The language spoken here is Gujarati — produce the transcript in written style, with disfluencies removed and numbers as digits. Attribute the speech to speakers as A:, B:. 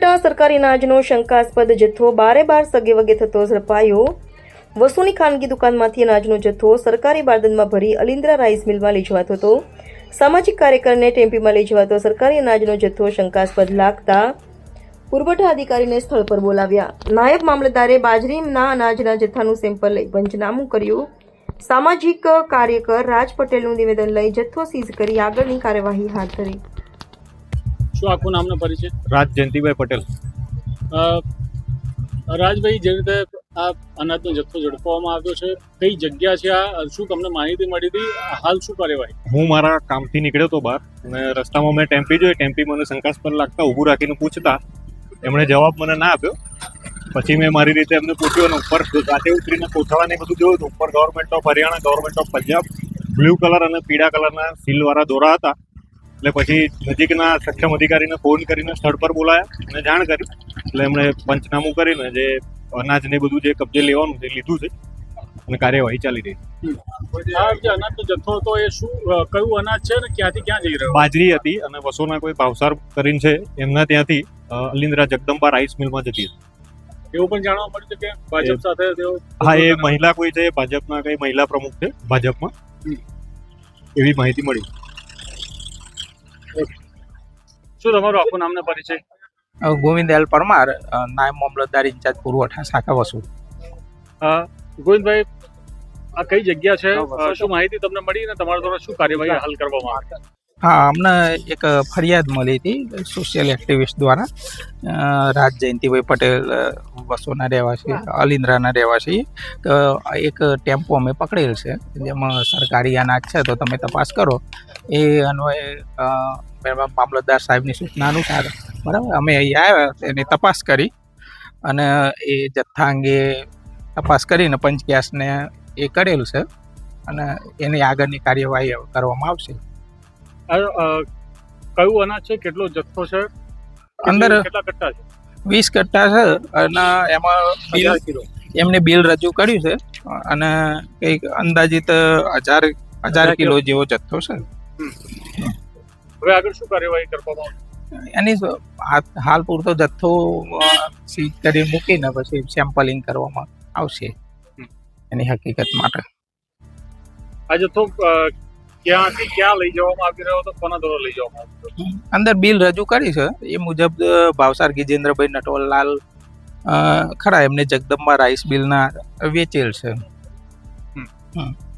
A: ઉમરઠના સરકારી અનાજનો શંકાસ્પદ જથ્થો બારે બાર સગે વગે થતો ઝડપાયો। વસુની ખાનગી દુકાનમાંથી અનાજનો જથ્થો સરકારી બારદાનમાં ભરી અલિન્દ્રા રાઈસ મિલમાં લઈ જવાતો હતો। સામાજિક કાર્યકરને ટેમ્પીમાં લઈ જવાતો સરકારી અનાજનો જથ્થો શંકાસ્પદ લાગતા પુરવઠા અધિકારીને સ્થળ પર બોલાવ્યા। નાયબ મામલતદારે બાજરીના અનાજના જથ્થાનું સેમ્પલ લઈ પંચનામું કર્યું। સામાજિક કાર્યકર રાજ પટેલનું નિવેદન લઈ જથ્થો સીઝ કરી આગળની કાર્યવાહી હાથ ધરી।
B: શું આખું નામનો પરિચય?
C: રાજ જયંતિભાઈ પટેલ।
B: રાજભાઈ, જે રીતે આ અનાજનો જથ્થો ઝડપવામાં આવ્યો છે, કઈ જગ્યા છે આ? શું તમને માહિતી મળી હતી? હાલ શું કાર્યવાહી?
C: હું મારા કામથી નીકળ્યો હતો બહાર અને રસ્તામાં મેં ટેમ્પી જોઈ। ટેમ્પી મને શંકાસ્પદ લાગતા ઊભું રાખીને પૂછતા એમણે જવાબ મને ના આપ્યો। પછી મેં મારી રીતે એમને પૂછ્યું અને ઉપર સાથે ઉતરીને કોથળાને બધું જોયું તો ઉપર government of Haryana, government of Punjab blue colour અને પીળા કલરના સીલવાળા દોરા હતા। એટલે પછી નજીકના સક્ષમ અધિકારીને ફોન કરીને સ્થળ પર બોલાયા અને જાણ કરી। એટલે એમણે પંચનામું કરીને જે અનાજને બધું જે કબજે લેવાનું છે લીધું છે અને કાર્યવાહી ચાલી રહી છે।
B: આ જે અનાજનો જથ્થો હતો એ શું, કયું અનાજ છે અને ક્યાંથી ક્યાં જઈ રહ્યો?
C: બાજરી હતી અને વસોના કોઈ ભાવસાર કરીને છે એમના ત્યાંથી અલિન્દ્રા જગદંબા રાઈસ મિલમાં જતી હતી।
B: એવું પણ જાણવા મળ્યું છે કે ભાજપ સાથે તેઓ?
C: હા, એ મહિલા કોઈ છે, ભાજપના કઈ મહિલા પ્રમુખ છે ભાજપમાં, એવી માહિતી મળી।
B: શું તમારું આખું નામનો પરિચય?
D: ગોવિંદ એલ પરમાર, નાયબ મામલતદાર ઇન્ચાર્જ પુરવઠા શાખા વસુ।
B: ગોવિંદભાઈ, આ કઈ જગ્યા છે? શું માહિતી તમને મળી અને તમારા દ્વારા શું કાર્યવાહી હાલ કરવામાં આવી?
D: હા, અમને એક ફરિયાદ મળી હતી સોશિયલ એક્ટિવિસ્ટ દ્વારા। રાજ જયંતિભાઈ પટેલ વસોના રહેવાસી, અલિન્દ્રાના રહેવાસી, એક ટેમ્પો અમે પકડેલ છે જેમાં સરકારી અનાજ છે તો તમે તપાસ કરો। એ અન્વયે મામલતદાર સાહેબની સૂચના અનુસાર બરાબર અમે અહીંયા આવ્યા, એની તપાસ કરી અને એ જથ્થા અંગે તપાસ કરીને પંચકેસને એ કરેલું છે અને એની આગળની કાર્યવાહી કરવામાં આવશે।
B: કયું અનાજ છે? કેટલો જથ્થો છે?
D: અંદર
B: કેટલા કટ્ટા છે?
D: 20 કટ્ટા છે અને એમાં બિલ એમને બિલ રજૂ કર્યું છે અને કંઈક અંદાજિત 1000 કિલો જેવો જથ્થો છે।
B: હવે આગળ શું કાર્યવાહી કરવામાં આવશે?
D: એની હાલ પૂરતો જથ્થો સીઝ કરી મૂકીને પછી સેમ્પલિંગ કરવામાં આવશે એની હકીકત માટે।
B: આ જથ્થો ક્યાંથી ક્યાં લઈ જવામાં આવી રહ્યો હતો? કોના દ્વારા લઈ જવામાં આવ્યો?
D: અંદર બિલ રજૂ કરી છે એ મુજબ ભાવસાર ગિજેન્દ્રભાઈ નટવરલાલ ખરા, એમને જગદંબા રાઈસ મિલના વેચેલ છે।